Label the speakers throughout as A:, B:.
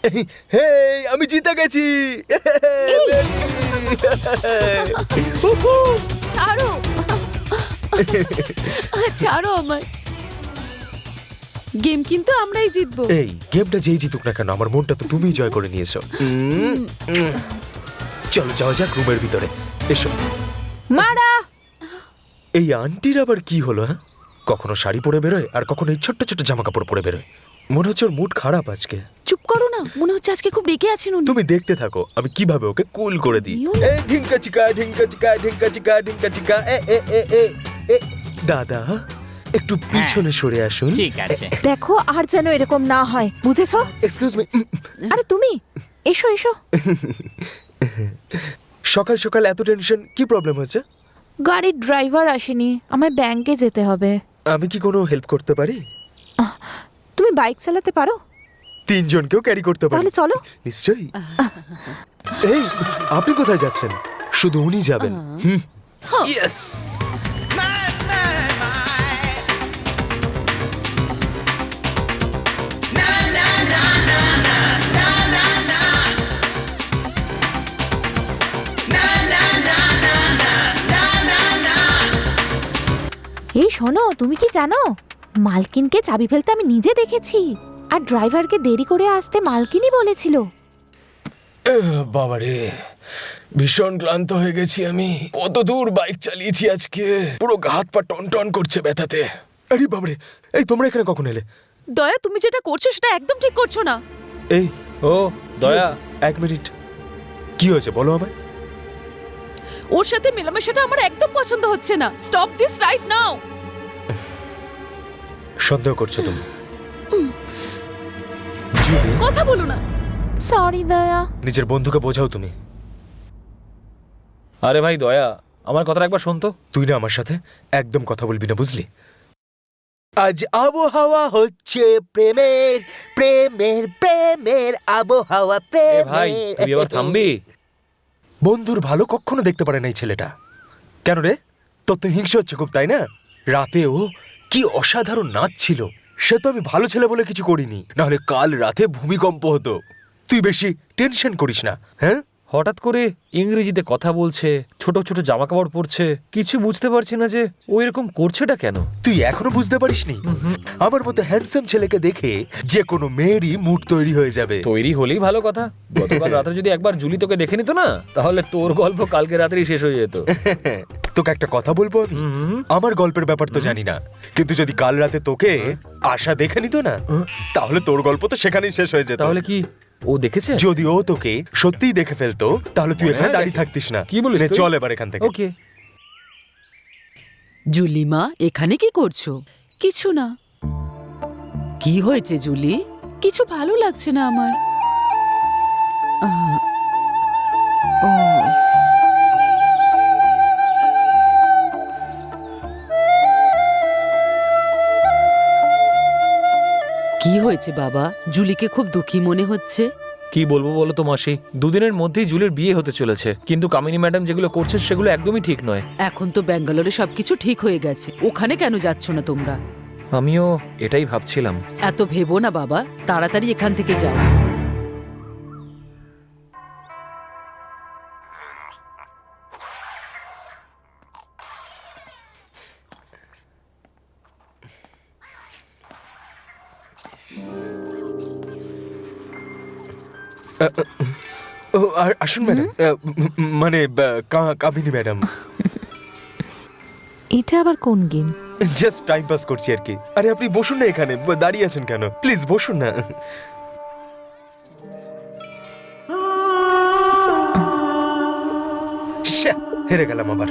A: হে আমি জিতে গেছি।
B: ছাড়ো ছাড়ো আমার। গেম কিন্তু আমরাই জিতবো।
A: এই গেমটা যেই জিতুক না কেন আমার মনটা তো তুমিই জয় করে নিয়েছো। চলো যাওয়া যাক রুমের ভিতরে, এসো।
B: মারা
A: এই আন্টির আবার কি হলো? হ্যাঁ, কখনো শাড়ি পরে বেরোয় আর কখনো এই ছোট্ট ছোট্ট জামা কাপড় পরে বেরোয়। মনে হচ্ছে ওর মুড খারাপ আজকে।
B: চুপ করো না, মনে হচ্ছে আজকে খুব রেগে আছেন উনি।
A: তুমি দেখতে থাকো আমি কিভাবে ওকে কুল করে দিই। এই ঢিঙ্কা চিকা ঢিঙ্কা চিকা ঢিঙ্কা চিকা ঢিঙ্কা চিকা। এ এ এ এ এ দাদা একটু পিছনে সরে আসুন।
C: ঠিক আছে।
D: দেখো আর যেন এরকম না হয়, বুঝেছো?
A: Excuse me.
D: আরে তুমি এসো এসো।
A: সকাল সকাল এত টেনশন, কি প্রবলেম হয়েছে?
D: গাড়ির ড্রাইভার আসেনি, আমায় ব্যাংকে যেতে হবে।
A: আমি কি কোনো হেল্প করতে পারি?
D: তুমি বাইক চালাতে পারো?
A: তিনজনকেও ক্যারি করতে পারি।
D: তাহলে চলো।
A: নিশ্চয়ই। এই আপনি কোথায় যাচ্ছেন? শুধু উনি যাবেন। ইয়েস।
D: এই শোনো, তুমি কি জানো মালকিনকে চাবি ফেলতে আমি নিজে দেখেছি, আর ড্রাইভারকে দেরি করে আসতে মালকিনই বলেছিল।
A: বাবারে ভীষণ ক্লান্ত হয়ে গেছি আমি। কত দূর বাইক চালিয়েছি আজকে, পুরো হাত পা টন টন করছে ব্যথাতে। আরে বাবারে, এই তোমরা এখানে কখন এলে?
B: দয়া, তুমি যেটা করছো সেটা একদম ঠিক করছো না।
A: এই
C: ও দয়া,
A: এক মিনিট, কি হয়েছে বলো আমায়।
B: ওর সাথে মেলামেশাটা আমার একদম পছন্দ হচ্ছে না। Stop this right now.
A: সন্দেহ করছো তুমি? জুলি,
B: কথা বলো না।
D: সরি দয়া।
A: নিজের বন্ধুকে বোঝাও তুমি।
C: আরে ভাই দয়া, আমার কথাটা একবার শোন তো।
A: তুই না আমার সাথে একদম কথা বলবি না, বুঝলি? আজ আবহাওয়া হচ্ছে প্রেমের প্রেমের প্রেমের আবহাওয়া
C: এ ভাই তুই এবার থামবি?
A: বন্ধুর ভালো কখনো দেখতে পারে না এই ছেলেটা। কেন রে, তোর তো হিংসা হচ্ছে খুব, তাই না? রাতেও কি অসাধারণ নাচ ছিল। সে তো আমি ভালো ছেলে বলে কিছু করিনি, নাহলে কাল রাতে ভূমিকম্প হতো। তুই বেশি টেনশন করিস না। হ্যাঁ,
C: হঠাৎ করে ইংরেজিতে কথা বলছে, ছোট ছোট জামা কাপড় পরছে, কিছু বুঝতে পারছি না যে ও এরকম করছেটা কেন।
A: তুই এখনো বুঝতে পারিসনি? আমার মতো হ্যান্ডসাম ছেলেকে দেখে যে কোনো মেয়েরই মুড তৈরি হয়ে যাবে।
C: তৈরি হলেই ভালো কথা। গতকাল রাতে যদি একবার জুলি তোকে দেখে নিত না, তাহলে তোর গল্প কালকে রাতেই শেষ হয়ে যেত।
A: তোকে একটা কথা বলবো আমি, আমার গল্পের ব্যাপার তো জানি না, কিন্তু যদি কাল রাতে তোকে আশা দেখে নিত না, তাহলে তোর গল্প তো সেখানেই শেষ হয়ে যেত।
C: তাহলে কি ও দেখেছে?
A: যদি ও তোকে সত্যিই দেখে ফেলতো, তাহলে তুই এখানে দাঁড়িয়ে থাকতিস না।
C: কি বলিস
A: নে,
C: তুই?
A: চল এবার এখান থেকে।
C: ওকে।
B: জুলিমা, এখানে কি করছো? কিছু না। কি হয়েছে জুলি? কিছু ভালো লাগছে না আমার। ও কি হয়েছে বাবা? জুলিকে খুব দুঃখী মনে হচ্ছে।
C: কি বলবো বলো তো মাসি, দুদিনের মধ্যেই জুলির বিয়ে হতে চলেছে, কিন্তু কামিনী ম্যাডাম যেগুলো করছে সেগুলো একদমই ঠিক নয়।
B: এখন তো ব্যাঙ্গালোরে সবকিছু ঠিক হয়ে গেছে, ওখানে কেন যাচ্ছ না তোমরা?
C: আমিও এটাই ভাবছিলাম।
B: এত ভেবো না বাবা, তাড়াতাড়ি এখান থেকে যাও।
A: ও আসুন ম্যাডাম, মানে কামিনী ম্যাডাম।
D: এটা আবার কোন গেম?
A: জাস্ট টাইম পাস করছি আর কি। আরে আপনি বসুন না, এখানে দাঁড়িয়ে আছেন কেন? প্লিজ বসুন না। শ্যা, হেরে গেলাম আবার।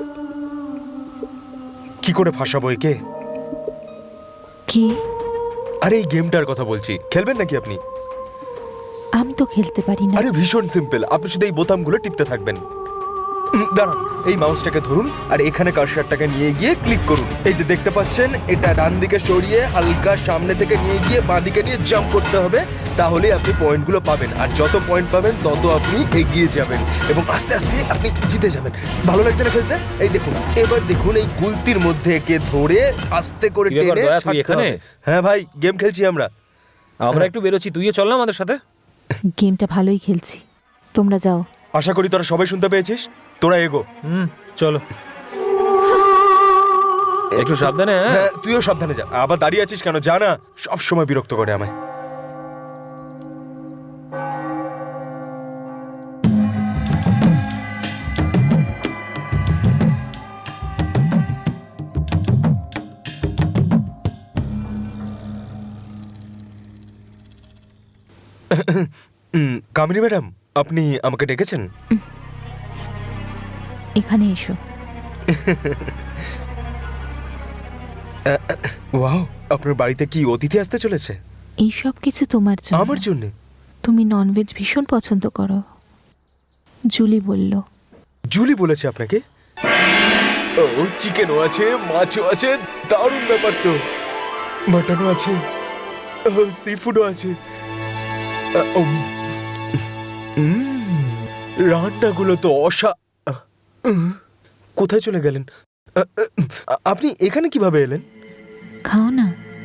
A: কি করে ফাঁসাবো একে?
D: কি?
A: আরে এই গেমটার কথা বলছি, খেলবেন নাকি আপনি?
D: আমি তো খেলতে পারি না।
A: আরে ভীষণ সিম্পল, আপনি শুধু এই বোতামগুলো টিপতে থাকবেন। দাঁড়ান, এই মাউসটাকে ধরুন আর এখানে কার্সারটাকে নিয়ে গিয়ে ক্লিক করুন। এই যে দেখতে পাচ্ছেন, এটা ডান দিকে সরিয়ে হালকা সামনে থেকে নিয়ে গিয়ে বাঁ দিকে নিয়ে জাম্প করতে হবে, তাহলে আপনি পয়েন্টগুলো পাবেন। আর যত পয়েন্ট পাবেন তত আপনি এগিয়ে যাবেন এবং আস্তে আস্তে আপনি জিতে যাবেন। ভালো লাগছে না খেলতে? এই দেখুন, এবার দেখুন এই গুলতির মধ্যে একে ধরে আস্তে করে
C: কি ব্যাপার
A: টেনে
C: দয়া, তুই
A: ছাড়তে
C: এখানে?
A: হবে। হ্যাঁ ভাই, গেম খেলছি আমরা।
C: আমরা একটু বেরোচ্ছি, তুইও চল না আমাদের সাথে।
D: গেমটা ভালোই খেলছি, তোমরা যাও।
A: আশা করি তোরা সবাই শুনতে পেয়েছিস। তোরা এগো।
C: চলো একটু সাবধানে। হ্যাঁ
A: হ্যাঁ, তুইও সাবধানে যা। আবার দাঁড়িয়ে আছিস কেন? জানা সব সময় বিরক্ত করে আমায়। কামিনী ম্যাডাম, আপনি আমাকে ডেকেছেন?
D: এখানে এসো।
A: ওয়াও, আপনার বাড়িতে কি অতিথি আসতে চলেছে?
D: এই সব কিছু তোমার জন্য।
A: আমার জন্য?
D: তুমি ননভেজ ভীষণ পছন্দ করো, জুলি বলল।
A: জুলি বলেছে আপনাকে? ও, চিকেনও আছে, মাছও আছে, দারুণ ব্যাপার তো। মাটনও আছে, সি ফুডও আছে। রান্নাগুলো তো কোথায় চলে গেলেন? আপনি এখানে কিভাবে এলেন?
D: খাও না।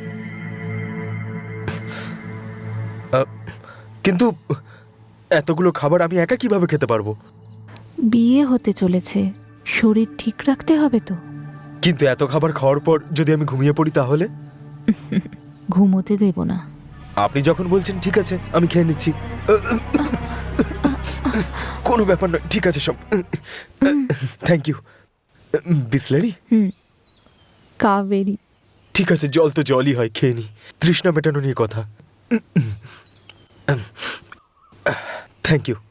A: কিন্তু এতগুলো খাবার আমি একা কিভাবে খেতে পারবো?
D: বিয়ে হতে চলেছে, শরীর ঠিক রাখতে হবে তো।
A: কিন্তু এত খাবার খাওয়ার পর যদি আমি ঘুমিয়ে পড়ি তাহলে?
D: ঘুমোতে দেব না।
A: আপনি যখন বলছেন ঠিক আছে, আমি খেয়ে নিচ্ছি। কোনো ব্যাপার নয়, ঠিক আছে সব। Thank you. বিসলারি?
D: কাবেরি।
A: ঠিক আছে, জল তো জলই হয়, খেয়ে নি। তৃষ্ণা মেটানো নিয়ে কথা। Thank you.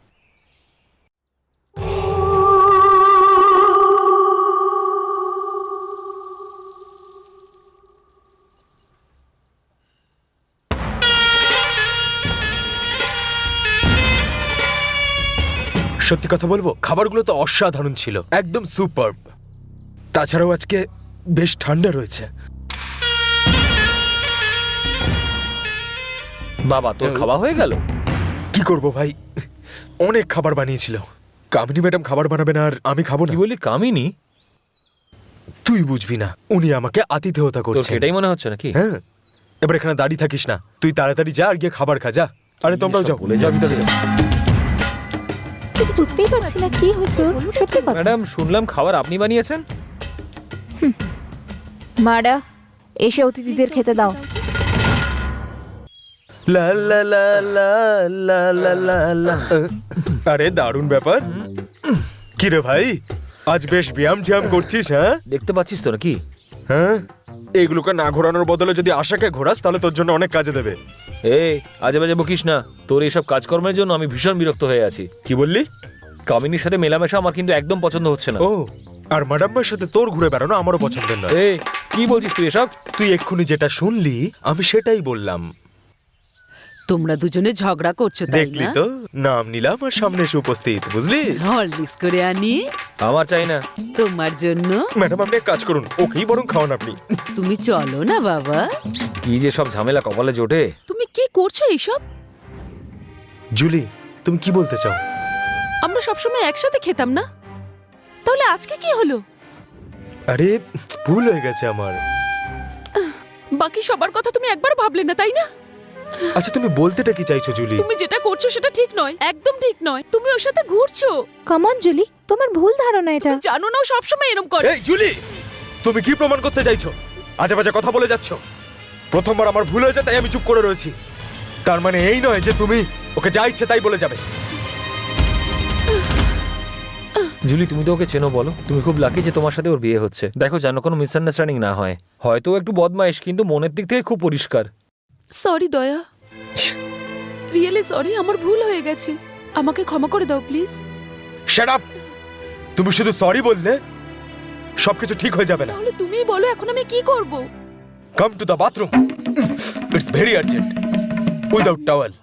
A: সত্যি কথা বলবো, খাবারগুলো তো অসাধারণ ছিল, একদম সুপারব। তাছাড়াও আজকে বেশ ঠান্ডা রয়েছে।
C: বাবা, তোর খাওয়া হয়ে গেল?
A: কি করব ভাই, অনেক খাবার বানিয়েছিল। কামিনী ম্যাডাম খাবার বানাবে না আর আমি খাবো না?
C: কি বলি কামিনী?
A: তুই বুঝবি না, উনি আমাকে আতিথেয়তা
C: তোর
A: করছেন।
C: সেটাই মনে হচ্ছে নাকি?
A: হ্যাঁ, এবার এখানে দাঁড়িয়ে থাকিস না, তুই তাড়াতাড়ি যা আর গিয়ে খাবার খা, যা। আরে তোমরাও যাও,
C: বলে
A: যাও ভিতরে
C: যাচ্ছে।
A: যাও।
D: কিছু বুঝতেই পারছি না কি হয়েছে ওর, সত্যি কথা।
C: ম্যাডাম, শুনলাম খাবার আপনি বানিয়েছেন।
D: মারা, এসে অতিথিদের খেতে দাও।
A: লা লা লা লা লা লা লা লা। আরে দারুণ ব্যাপার। কি রে ভাই, আজ বেশ ব্যায়াম ঝ্যাম করছিস? হ্যাঁ
C: দেখতে পাচ্ছিস তো নাকি?
A: হ্যাঁ, এগুলোকে না ঘোরানোর বদলে যদি আশাকে ঘোরাস তাহলে তোর জন্য অনেক কাজে দেবে।
C: এই আজে বাজে বকিস না। তোর এইসব কাজকর্মের জন্য আমি ভীষণ বিরক্ত হয়ে আছি।
A: কি বললি?
C: কামিনীর সাথে মেলামেশা আমার কিন্তু একদম পছন্দ হচ্ছে না।
A: ও, আর ম্যাডামের সাথে তোর ঘুরে বেড়ানো আমারও পছন্দের নয়।
C: এই কি বলছিস তুই এসব?
A: তুই এক্ষুনি যেটা শুনলি আমি সেটাই বললাম।
B: তোমরা দুজনে ঝগড়া করছো তাই
A: দেখলি
B: না?
A: তো, নাম নিলাম আর সামনে এসে উপস্থিত, বুঝলি?
B: হরলিক্স করে আনি
C: আমার চাই না।
B: তোমার জন্য।
A: ম্যাডাম আপনি এক কাজ করুন, ওকেই বরং খাওয়ান আপনি।
B: তুমি চলো না বাবা।
C: কি যে সব ঝামেলা কপালে জোটে।
B: তুমি কি করছো এইসব?
A: জুলি, তুমি কি বলতে চাও?
B: আমরা সবসময় একসাথে খেতাম না, তাহলে আজকে কি হলো?
A: আরে ভুল হয়ে গেছে আমার।
B: বাকি সবার কথা তুমি একবার ভাবলে না, তাই না?
A: আচ্ছা তুমি বলতেটা কি চাইছো জুলি?
B: তুমি যেটা করছো সেটা ঠিক নয়, একদম ঠিক নয়। তুমি ওর সাথে ঘুরছো।
D: কমন জুলি, তোমার ভুল ধারণা এটা।
B: তুমি জানো না ও সবসময় এরকম করে।
A: এই জুলি, তুমি কি প্রমাণ করতে চাইছো? আজে বাজে কথা বলে যাচ্ছ। প্রথমবার আমার ভুল হয়েছে তাই আমি চুপ করে রয়েছি, তার মানে এই নয় যে তুমি ওকে যা ইচ্ছে তাই বলে যাবে।
C: জুলি, তুমি তো ওকে চেনো, বলো। তুমি খুব লাকি যে তোমার সাথে ওর বিয়ে হচ্ছে। দেখো, যেন কোনো মিসআন্ডারস্ট্যান্ডিং না হয়। হয়তো ও একটু বদমাইশ, কিন্তু মনের দিক থেকে খুব পরিষ্কার।
B: সরি দয়া, রিয়েলি সরি, আমার ভুল হয়ে গেছে। আমাকে ক্ষমা করে দাও প্লিজ।
A: Shut up! তুমি শুধু সরি বললে সবকিছু ঠিক হয়ে যাবে না।
B: তাহলে তুমিই বলো এখন আমি কি করব?
A: Come to the bathroom, it's very urgent, without towel.